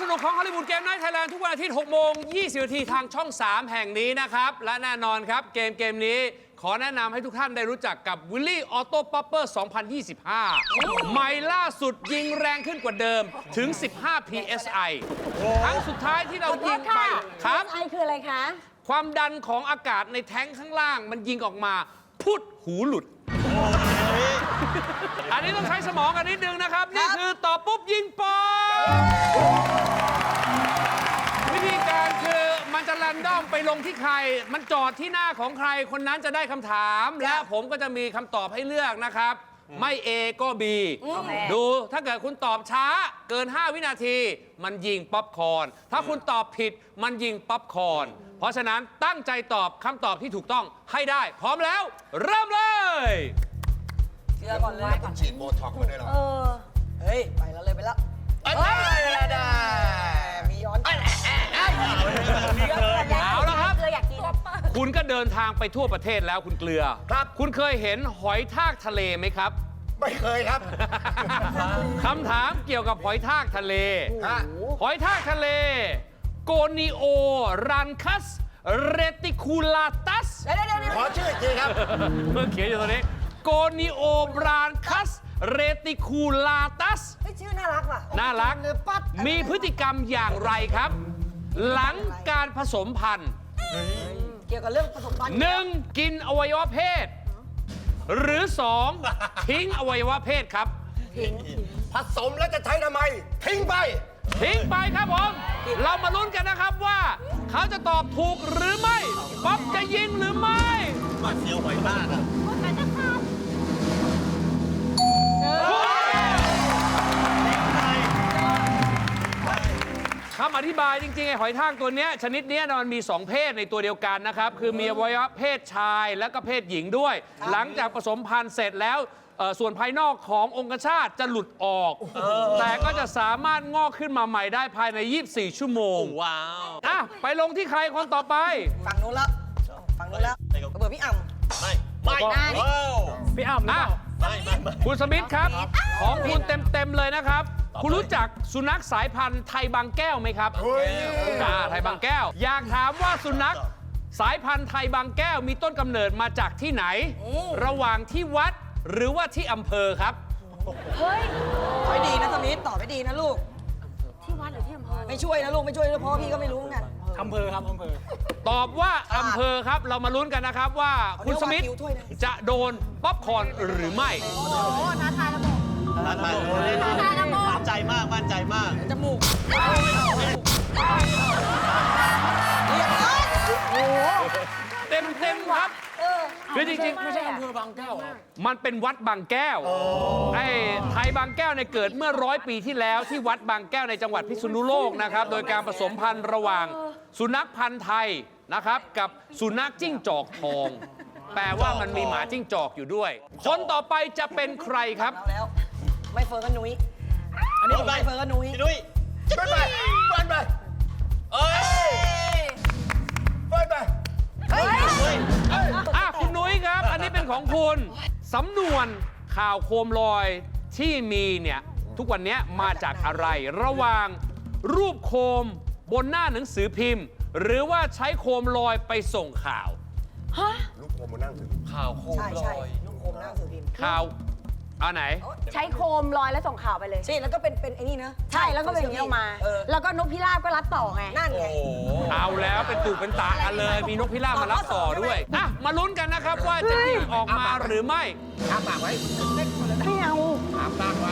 นุกของฮอลลีวูดเกมไนท์ไทยแลนด์ทุกวันอาทิตย์6 โมง 20 นาทีทางช่อง 3 แห่งนี้นะครับ และแน่นอนครับเกมนี้ขอแนะนำให้ทุกท่านได้รู้จักกับวิลลี่ออโต้ป๊อปเปอร์ 2025 ใหม่ล่าสุดยิงแรงขึ้นกว่าเดิมถึง 15 psi ครั้งสุดท้ายที่เรายิงไปครับ PSI คืออะไรคะความดันของอากาศในแท้งข้างล่างมันยิงออกมาพุดหูหลุด อันนี้ต้องใช้สมองกันนิดนึงนะครับ นี่คือตอบปุ๊บยิงป๊อบวิธีการคือมันจะแรนดอมไปลงที่ใคร มันจอดที่หน้าของใครคนนั้นจะได้คำถาม และผมก็จะมีคำตอบให้เลือกนะครับ ไม่ A ก็ B ดูถ้าเกิดคุณตอบช้าเกิน 5 วินาที มันยิงป๊อปคอร์นถ้าคุณตอบผิดมันยิงป๊อปคอร์นเพราะฉะนั้นตั้งใจตอบคำตอบที่ถูกต้องให้ได้ พร้อมแล้ว เริ่มเลยเชื่อก่อนเลยฉีดโบท็อกซ์มาด้วยเหรอเฮ้ย ไปแล้วเลยไปแล้วได้มีย้อนเอาละครับเกลืออยากกินคุณก็เดินทางไปทั่วประเทศแล้วคุณเกลือครับคุณเคยเห็นหอยทากทะเลไหมครับไม่เคยครับคำถามเกี่ยวกับหอยทากทะเลฮะหอยทากทะเลโกนิโอรันคัสเรติคูลาตัสเดี๋ยวขอชื่ออีกทีครับเมื่อเขียนอยู่ตรงนี้โกนิโอบรานคัสเรติคูลาตัสเฮ้ยชื่อน่ารักว่ะน่ารักเนื้อปัดมีพฤติกรรมอย่างไรครับ หลังการผสมพันธุ์เกี่ยวกับเรื่องผสมพันธุ์ 1. กินอวัยวะเพศ หรือ 2. ทิ้งอวัยวะเพศครับผสมแล้วจะใช้ทำไม ทิ้งไปทิ้งไปครับผม เรามาลุ้นกันนะครับว่า เขาจะตอบถูกหรือไม่ ป๊อปจะยิงหรือไม่มาเซียวหอยทากอะคำอธิบายจริงๆไอ้หอยทากตัวเนี้ยชนิดเนี้ยมันมี 2 เพศในตัวเดียวกันนะครับ คือมีอวัยวะเพศชายและก็เพศหญิงด้วย หลังจากผสมพันธุ์เสร็จแล้วส่วนภายนอกขององคชาตจะหลุดออก แต่ก็จะสามารถงอกขึ้นมาใหม่ได้ภายใน 24 ชั่วโมงว้าวอ่ะไปลงที่ใครคนต่อไปฝั่งนู้นแล้วฝั่งนู้นแล้วเบอร์พี่อ่ำไม่ว้าวพี่อ้ำอ่ะไม่คุณสมิธครับ ของคุณเต็มๆเลยนะครับ คุณรู้จักสุนัขสายพันธุ์ไทยบางแก้วไหมครับไทยบางแก้ว อยากถามว่าสุนัขสายพันธุ์ไทยบางแก้วมีต้นกำเนิดมาจากที่ไหน ระหว่างที่วัดหรือว่าที่อำเภอครับเฮ้ยตอบให้ดีนะสมิธตอบให้ดีนะลูกที่วัดหรือที่อำเภอไม่ช่วยนะลูกไม่ช่วยด้วยเพราะพี่ก็ไม่รู้เหมือนกันตอบว่าอำเภอครับ เรามาลุ้นกันนะครับว่าคุณสมิธเอาเรียกว่าคิวถ้วยนะจะโดนป๊อปคอร์นหรือไม่โอ้โหท้าทายระบบมั่นใจมาก มั่นใจมากจมูกเต็มครับ คือจริงๆไม่ใช่อำเภอบางแก้วมันเป็นวัดบางแก้ว ไอ้ไทยบางแก้วเนี่ยเกิดเมื่อ100 ปีที่แล้วที่วัดบางแก้วในจังหวัดพิษณุโลกนะครับ โดยการผสมพันธุ์ระหว่างสุนัขพันธุ์ไทยนะครับ กับสุนัขจิ้งจอกทอง แปลว่ามันมีหมาจิ้งจอกอยู่ด้วย คนต่อไปจะเป็นใครครับแล้วไม่เฟิร์นก็นุ้ยอันนี้ไม่เฟิร์นก็นุ้ยพี่นุ้ยไปไปเฟิร์นไปเอ้ยเฟิร์นไปอ่ะคุณนุ้ยครับ อันนี้เป็นของคุณสำนวนข่าวโคมลอยที่มีเนี่ยทุกวันนี้มาจากอะไร ระหว่างรูปโคมบนหน้าหนังสือพิมพ์ หรือว่าใช้โคมลอยไปส่งข่าวลูกโคมมานั่งถือข่าวโคมใช่ลใช่อยลูกโคมนั่งถือพิมพ์ข่าวเอาไหนใช้โคมลอยแล้วส่งข่าวไปเลยใช่แล้วก็เป็นไอ้นี่นะใช่แล้วก็เป็นอย่างนี้ออกมาเออแล้วก็นกพิราบก็รับต่อไงนั่นไงโอ้โหเอาแล้วเป็นตุเป็นตากันเลย มีนกพิราบมารับต่อด้วยอ่ะมาลุ้นกันนะครับว่าจะยิงออกมาหรือไม่อ้าปากไว้ไม่เอาอ้าปากไว้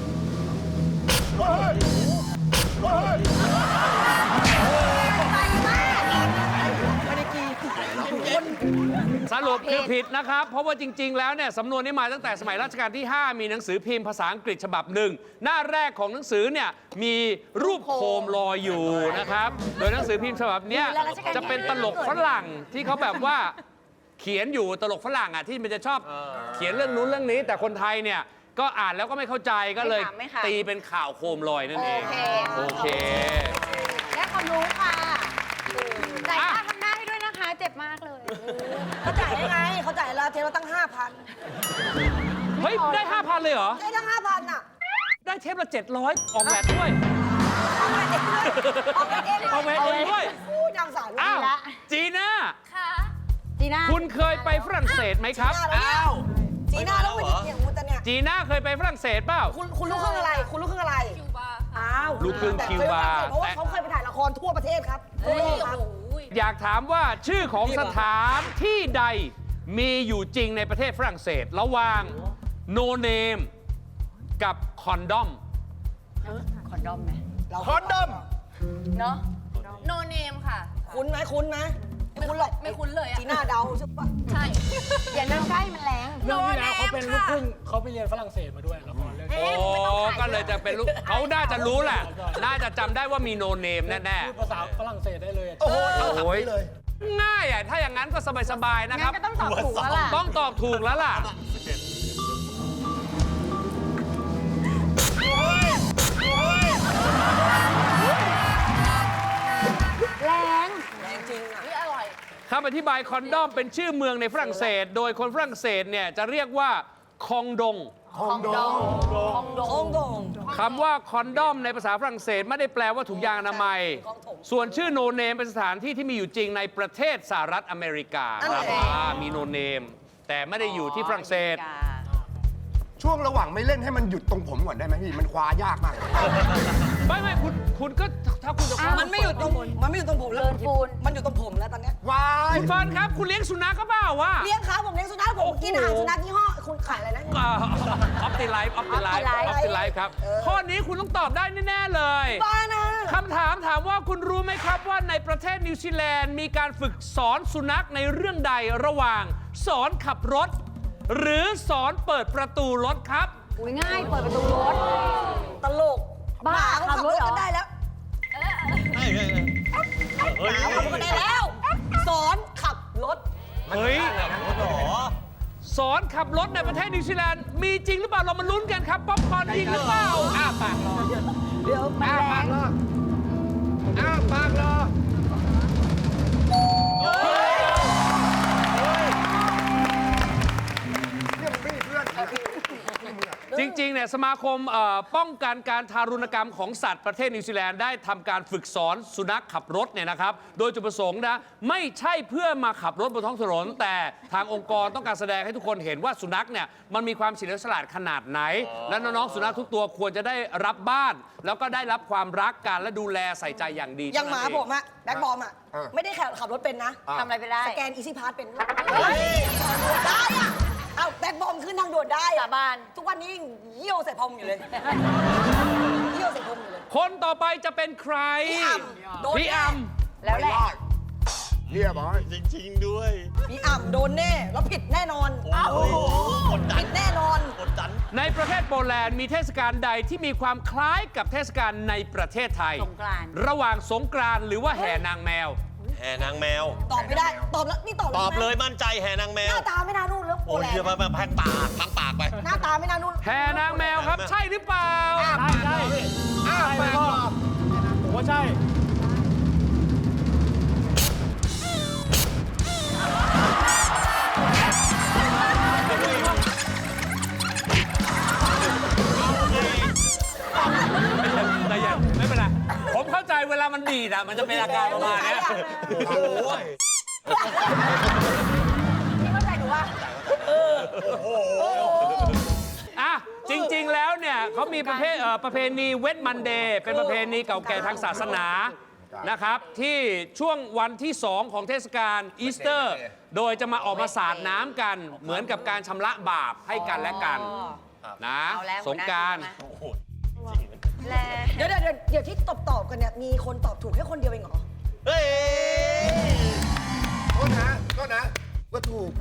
ไม่ได้กีสรุปคือผิดนะครับ เพราะว่าจริง ๆ แล้วเนี่ยสำนวนนี้มาตั้งแต่สมัยรัชกาลที่ 5 มีหนังสือพิมพ์ภาษาอังกฤษฉบับหนึ่งหน้าแรกของหนังสือเนี่ยมีรูปโคมลอยอยู่นะครับ โดยหนังสือพิมพ์ฉบับเนี้ยจะเป็นตลกฝรั่งที่เขาแบบว่าเขียนอยู่ตลกฝรั่งอ่ะที่มันจะชอบเขียนเรื่องนู้นเรื่องนี้ แต่คนไทยเนี่ยก็อ่านแล้วก็ไม่เข้าใจก็เลยตีเป็นข่าวโคมลอยนั่นเองโอเคและความรู้ค่ะจ่ายค่าทำหน้าให้ด้วยนะคะ เจ็บมากเลยเขาจ่ายยังไงเขาจ่ายเราเทเราตั้ง 5,000 เฮ้ยได้ 5,000 เลยเหรอได้ตั้ง 5,000 อ่ะได้เทปละ 700 ออกแบบด้วยเอาไปเอาไปเองเอาไปเองด้วยอู้นางสาวอ้าวละจีน่าจีน่าคุณเคยไปฝรั่งเศสไหมครับอ้าวจีน่าแล้ววันนี้อย่างมูแต่เนี่ยจีน่าเคยไปฝรั่งเศสเปล่าคุณลูกครึ่งอะไร คุณลูกครึ่งอะไร คิวบาอ้าวลูกครึ่งคิวบาเพราะว่าเขาเคยไปถ่ายละครทั่วประเทศครับทั่วโลกครับอยากถามว่าชื่อของสถานที่ใดมีอยู่จริงในประเทศฝรั่งเศส ระหว่าง no name กับคอนดอมคอนดอมไหมคอนดอมเนาะโนเนมค่ะคุ้นไหมคุ้นไหมไม่คุ้นหรอกไม่คุ้นเลยอะจีน่าเดาใช่ปะใช่อย่านั่งใกล้มันแรงโนเรื่องที่เนแล้วเขามเป็นลูกค่ะครึ่งเขาไปเรียนฝรั่งเศสมาด้วยละครเรื่องโอ้ก็เลยจะเป็นลูกเขาน่าจะรู้แหละ น่าจะจำได้ว่ามี no name แน่พูดภาษาฝรั่งเศสได้เลยโอ้โหๆเอาถามโอ้ยนี้เลยง่ายอ่ะ ถ้าอย่างนั้นก็สบายๆ นะครับก็ต้องตอบถูกแล้วล่ะต้องตอบถูกแล้วล่ะแรงนี่อร่อยคำอธิบายคอนดอมเป็นชื่อเมืองในฝรั่งเศส โดยคนฝรั่งเศสเนี่ยจะเรียกว่าคองดงของดงคำว่าคอนดอมในภาษาฝรั่งเศสไม่ได้แปลว่าถุงยางอนามัย ส่วนชื่อโนเนมเป็นสถานที่ที่มีอยู่จริงในประเทศสหรัฐอเมริกาครับมีโนเนมแต่ไม่ได้อยู่ที่ฝรั่งเศสช่วงระหว่างไม่เล่นให้มันหยุดตรงผมก่อนได้ไหมพี่ มันคว้ายากมากเลยไม่คุณก็ถ้าคุณจะคว้ามันไม่อยู่ตรงผมแล้วมันอยู่ตรงผมแล้วตอนเนี้ยว้ายคุณเฟิร์นครับ คุณเลี้ยงสุนัขก็เปล่าวะเลี้ยงครับผมเลี้ยงสุนัขผมกินอาหารสุนัขยี่ห้อคุณขายอะไรนะออฟติไลฟ์ออฟติไลฟ์ออฟติไลฟ์ครับ ข้อนี้คุณต้องตอบได้แน่ ๆ เลยบ้านะคำถามถามว่าคุณรู้ไหมครับว่าในประเทศนิวซีแลนด์มีการฝึกสอนสุนัขในเรื่องใดระหว่างสอนขับรถ หรือสอนเปิดประตูรถครับอุ้ยง่ายเปิดประตูรถตลกบ้าเขาขับรถกันได้แล้วเฮ้ยขับรถกันได้แล้ว สอนขับรถเฮ้ยหรอสอนขับรถในประเทศนิวซีแลนด์มีจริงหรือเปล่าเรามาลุ้นกันครับป๊อปคอร์นจริงหรือเปล่าอ้าปากรอเดี๋ยวมันแรงอ้าวปากรอ เนี่ยมึงไม่มีเพื่อนจริงๆ เนี่ยสมาคมป้องกันการทารุณกรรมของสัตว์ประเทศนิวซีแลนด์ได้ทำการฝึกสอนสุนัขขับรถเนี่ยนะครับ โดยจุดประสงค์นะไม่ใช่เพื่อมาขับรถบนท้องถนน แต่ทางองค์กรต้องการแสดงให้ทุกคนเห็นว่าสุนัขเนี่ยมันมีความเฉลียวฉลาดขนาดไหน และน้องๆสุนัขทุกตัวควรจะได้รับบ้าน แล้วก็ได้รับความรักกันและดูแลใส่ใจอย่างดีอย่างหมาเท่นั้นเงผมอะแบ็คบอมอะไม่ได้ขับรถเป็นนะทำอะไรไปได้สแกนอีซี่พาสเป็นได้อะเอาแบ็คบอมขึ้นทางด่วนได้อะบ้านทุกวันนี้เยี่ยวใส่พรมอยู่เลยเยี่ยวใส่พรมอยู่เลยคนต่อไปจะเป็นใครพี่อ่ำโดนพี่อัมแล้วแหละเรียบร้อยจริง ๆ ด้วยพี่อ่ำโดนแน่แล้วผิดแน่นอนโอ้โหกดดัผินดแน่นอนกดดันในประเทศโปแลนด์มีเทศกาลใดที่มีความคล้ายกับเทศกาลในประเทศไทยสงกรานต์ระหว่างสงกรานต์หรือว่าแห่นางแมวแห่นางแมวตอบไม่ได้ตอบแล้วนี่ตอบตอบเลยใช่ไหมมั่นใจแห่นางแมหวน้าตาไม่น่านู่นแล้วโปโอ้ยแลนเดี๋ยวด์มาแพงปากทั้งปากไปหน้าตาไม่น่านู่นแห่นางแมวครับ ใช่หรือเปล่าใช่อ้าวไปก็ผมว่าใช่แต่อย่าไม่เป็นไร ผมเข้าใจเวลามันดีดอ่ะ มันจะเป็นอาการประมาณเนี้ยโอ้ยพี่เข้าใจหนูว่าอ่ะ จริง ๆ แล้วเนี่ยเขามีประเพณีเวทมันเดย์เป็นประเพณีเก่าแก่ทางศาสนานะครับ ที่ช่วงวันที่ 2 ของเทศกาลอีสเตอร์ โดยจะมาออกมาสาดน้ำกัน เหมือนกับการชำระบาปให้กันและกันนะเอาแล้วสงกรารเดี๋ยวที่ตอบกันเนี่ยมีคนตอบถูกแค่คนเดียวเองเหรอเฮ้ยโทษนะก็ถูก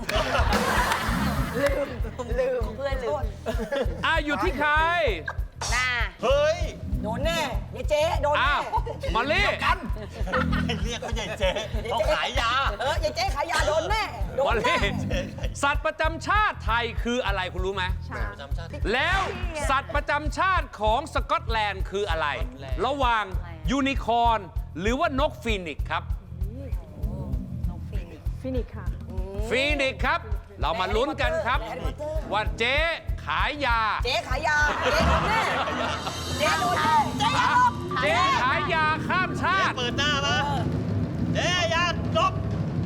ลืมเพื่อนลืมอยู่ที่ใครน่าเฮ้ยโดนแน่ยายเจ๊โดนอ้าแน่วมอลลี่เรียกเขาใหญ่เจ๊เขาขายยายายเจ๊ขายยาโดนแน่โดมอน ลแน่ลี่ สัตว์ประจำชาติไทยคืออะไรคุณรู้ไหม แล้วสัตว์ประจำชาติของสกอตแลนด์คืออะไร ระหว่างยูนิคอร์นหรือว่านกฟีนิกซ์ครับ ฟีนิกซ์ครับ เรามาลุ้นกันครับ ว่าเจ๊ขายยาเจ๊ขายยาเจ๊โดนแน่เจ๊โดนแน่เจ๊อย่าหลบเจ๊ขายยาชาติเปิดหน้ามาเจ๊ยาจบ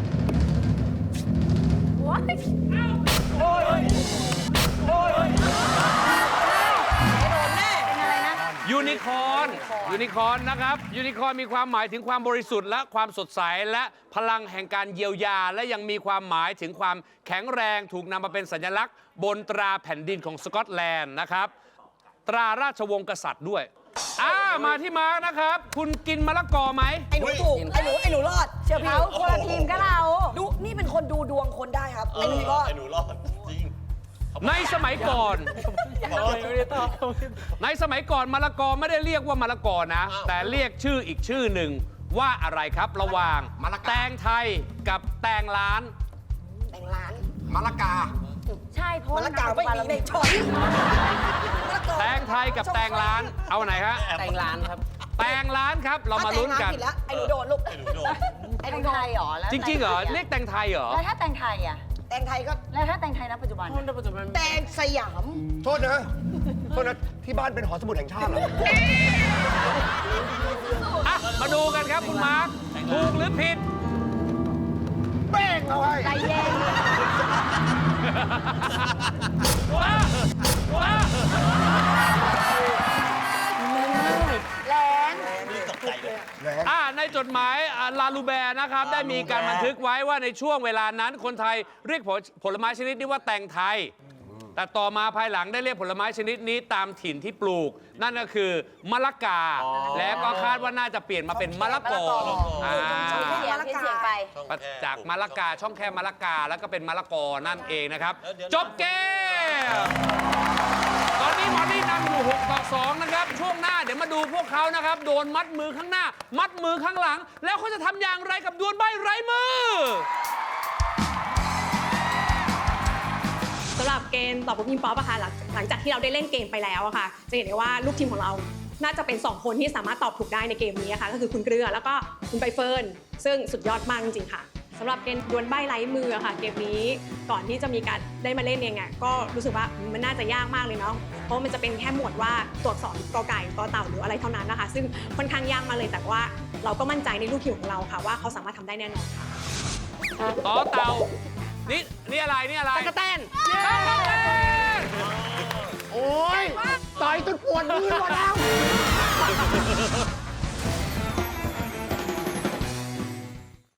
ยูนิคอร์น ยูนิคอร์นนะครับ ยูนิคอร์นมีความหมายถึงความบริสุทธิ์และความสดใสและพลังแห่งการเยียวยา และยังมีความหมายถึงความแข็งแรงถูกนำมาเป็นสัญลักษณ์บนตราแผ่นดินของสกอตแลนด์นะครับ ตราราชวงศ์กษัตริย์ด้วยมาที่มาร์กนะครับ คุณกินมะละกอไหมไอ้หนูถูก ไอ้หนูรอด เชื่อพี่เขาคนละทีมก็เราดูนี่เป็นคนดูดวงคนได้ครับ ไอ้หนูรอดไอ้หนูรอดจริงในสมัยก่อน ในสมัยก่อนมะละกอไม่ได้เรียกว่ามะละกอนะ แต่เรียกชื่ออีกชื่อหนึ่งว่าอะไรครับ ระหว่างแตงไทยกับแตงล้านแต่งร้านมะละกาใช่เพราะมะละกาไม่มีในช้อยมะละกอแตงไทยกับแตงล้าน เอาไหนฮะแต่งร้านครับแตงล้านครับ เรามาลุ้นกันถ้าแต่งร้ผิดแล้วไอ้หนูโดนลูกไอ้หนูโดนไอ้แตงไทยเหรอแล้วจริงๆเหรอ เรียกแตงไทยเหรอแล้วถ้าแตงไทยอ่ะแต่งไทยก็แล้วถ้าแตงไทยณปัจจุบันอะแต่งสยามโทษนะโทษนะที่บ้านเป็นหอสมุดแห่งชาติเหรอมาดูกันครับคุณมาร์ค ถูกหรือผิดเป้งเอาไว้ใจเย็น แรงตกใจเลยในจดหมายลาลูแบร์นะครับ ได้มีการบันทึกไว้ว่าในช่วงเวลานั้นคนไทยเรียกผลไม้ชนิดนี้ว่าแตงไทย แต่ต่อมาภายหลังได้เรียกผลไม้ชนิดนี้ตามถิ่นที่ปลูก นั่นก็คือมะละกา แล้วก็คาดว่าน่าจะเปลี่ยนมาเป็นมะละกออ่าเสียงที่เสียงไปจากมะละกาช่องแคบมะละกาแล้วก็เป็นมะละกอนั่นเองนะครับ จบเกม ตอนนี้หมอนี่นำอยู่6-2 นะครับ ช่วงหน้าเดี๋ยวมาดูพวกเขานะครับ โดนมัดมือข้างหน้า มัดมือข้างหลัง แล้วเขาจะทำอย่างไรกับดวลใบ้ไร้มือสำหรับเกมตอบปุ๊บยิงป๊อปอะค่ะหลังจากที่เราได้เล่นเกมไปแล้วอะค่ะจะเห็นได้ว่าลูกทีมของเราน่าจะเป็น2คนที่สามารถตอบถูกได้ในเกมนี้ค่ะก็คือคุณเกลือแล้วก็คุณใบเฟิร์นซึ่งสุดยอดมากจริงๆค่ะสำหรับเกมดวลใบ้ไร้มืออะค่ะเกมนี้ก่อนที่จะมีการได้มาเล่นเองอะก็รู้สึกว่ามันน่าจะยากมากเลยเนาะเพราะมันจะเป็นแค่หมวดว่าตัวอักษรกอไก่ตอเต่าหรืออะไรเท่านั้นนะคะซึ่งค่อนข้างยากมากเลยแต่ว่าเราก็มั่นใจในลูกทีมของเราค่ะว่าเขาสามารถทำได้แน่นอนค่ะต่อเต่า นี่อะไร นี่อะไรตะกะแตนตะกะแตนโอ้ยต่อยจนปวดมือหมดแล้ว